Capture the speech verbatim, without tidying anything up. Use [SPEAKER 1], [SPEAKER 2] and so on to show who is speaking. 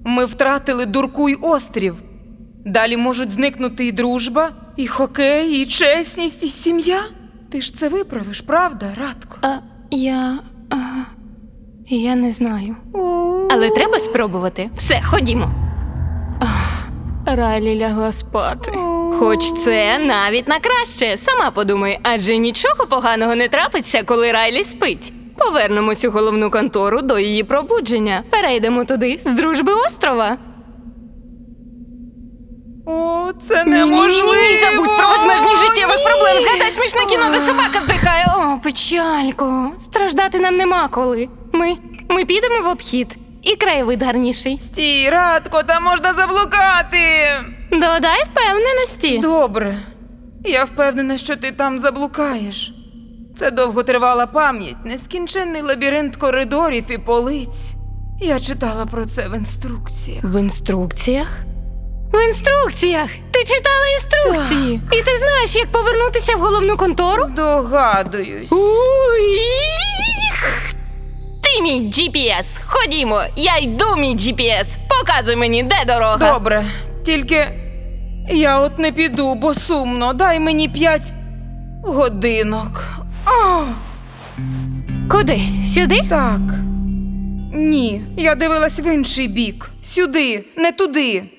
[SPEAKER 1] Ми втратили Дуркуй острів. Далі можуть зникнути і дружба, і хокей, і чесність, і сім'я. Ти ж це виправиш, правда, Радко?
[SPEAKER 2] А, я... А, я не знаю. Але треба спробувати. Все, ходімо. Ах, Райлі лягла спати. Хоч це навіть на краще. Сама подумай, адже нічого поганого не трапиться, коли Райлі спить. Повернемось у головну контору до її пробудження. Перейдемо туди з дружби острова.
[SPEAKER 1] О, це неможливо!
[SPEAKER 2] Ні-ні-ні, забудь про безмежність життєвих проблем. Згадай смішне кіно, де собака здихає. О, печалько. Страждати нам нема коли. Ми, ми підемо в обхід. І краєвид гарніший.
[SPEAKER 1] Стій, Радко, там можна заблукати!
[SPEAKER 2] Додай впевненості.
[SPEAKER 1] Добре. Я впевнена, що ти там заблукаєш. Це довготривала пам'ять, нескінченний лабіринт коридорів і полиць. Я читала про це в інструкціях.
[SPEAKER 2] В інструкціях? В інструкціях! Ти читала інструкції! І ти знаєш, як повернутися в головну контору?
[SPEAKER 1] Здогадуюсь.
[SPEAKER 2] Уй! Ти мій джі пі ес! Ходімо! Я йду, мій джі пі ес! Показуй мені, де дорога!
[SPEAKER 1] Добре, тільки я от не піду, бо сумно. Дай мені п'ять годинок. О,
[SPEAKER 2] Куди? Сюди?
[SPEAKER 1] так. Ні, я дивилась в інший бік. Сюди, не туди.